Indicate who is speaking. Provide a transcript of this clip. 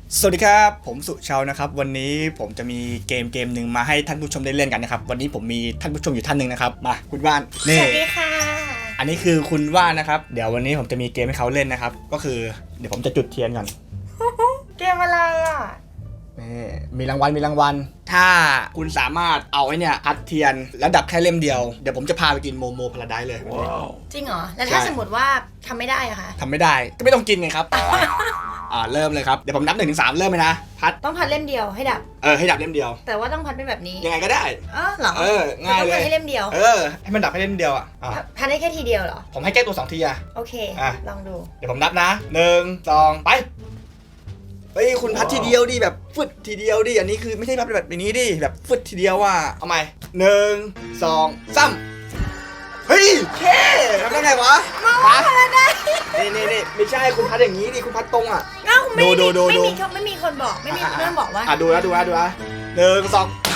Speaker 1: สวัสดีครับผมสุชาวนะครับวันนี้ผมจะมีเกมหนึ่งมาให้ท่านผู้ชมได้เล่นกันนะครับวันนี้ผมมีท่านผู้ชมอยู่ท่านหนึ่งนะครับมาคุณว่าน
Speaker 2: ส
Speaker 1: นี่
Speaker 2: วัสดีค่ะ
Speaker 1: อันนี้คือคุณว่านนะครับเดี๋ยววันนี้ผมจะมีเกมให้เขาเล่นนะครับก็คือเดี๋ยวผมจะจุดเทียนก่อน
Speaker 2: เกมอะไรอ่ะ
Speaker 1: นี่มีรางวัลถ้าคุณสามารถเอาไอ้เนี่ยพัดเทียนแล้วดับแค่เล่มเดียวเดี๋ยวผมจะพาไปกินโมโมพาราไดซ์เลยวันนี้
Speaker 2: จริงเหรอ แล้วถ้า
Speaker 1: ใช่
Speaker 2: สมมติว่าทำไม่ได้อะคะ
Speaker 1: ทำไม่ได้ก็ไม่ต้องกินไงครับ เริ่มเลยครับเดี๋ยวผมนับ1 ถึง 3เริ่มเลยนะพัด
Speaker 2: ต้องพัดเล่มเดียวให้ดับ
Speaker 1: ให้ดับเล่มเดียว
Speaker 2: แต่ว่าต้องพัดเป็นแบบนี้
Speaker 1: ยังไงก็ได้
Speaker 2: เหรอ
Speaker 1: ง่าย
Speaker 2: ต้อง
Speaker 1: เล
Speaker 2: พัด
Speaker 1: ย
Speaker 2: ให้เล่มเดียว
Speaker 1: ให้มันดับให้เล่มเดียวอ่ะ
Speaker 2: พัดได้แค่ทีเดียวเหรอ
Speaker 1: ผมให้แก้ตัว2 ทีอ่ะ
Speaker 2: โอเค
Speaker 1: อ่ะ
Speaker 2: ลองดู
Speaker 1: เดี๋ยวผมนับนะ1 2ไปเฮ้ยคุณพัดทีเดียวดิแบบฟึดทีเดียวดิอันนี้คือไม่ใช่พัดแบบนี้ดิแบบฟึดทีเดียวอ่ะเอาใหม่1 2 3เฮ้ยแค่ทำได้ไงวะมานี่ไม่ใช่คุณพัดอย่างนี้ดิคุณพัดตรงอ่ะ
Speaker 2: เอ้าไม่
Speaker 1: ดู
Speaker 2: ไม่มีคนบอกไม่มีเพื่อนบอกว่า
Speaker 1: ดูนะ1 2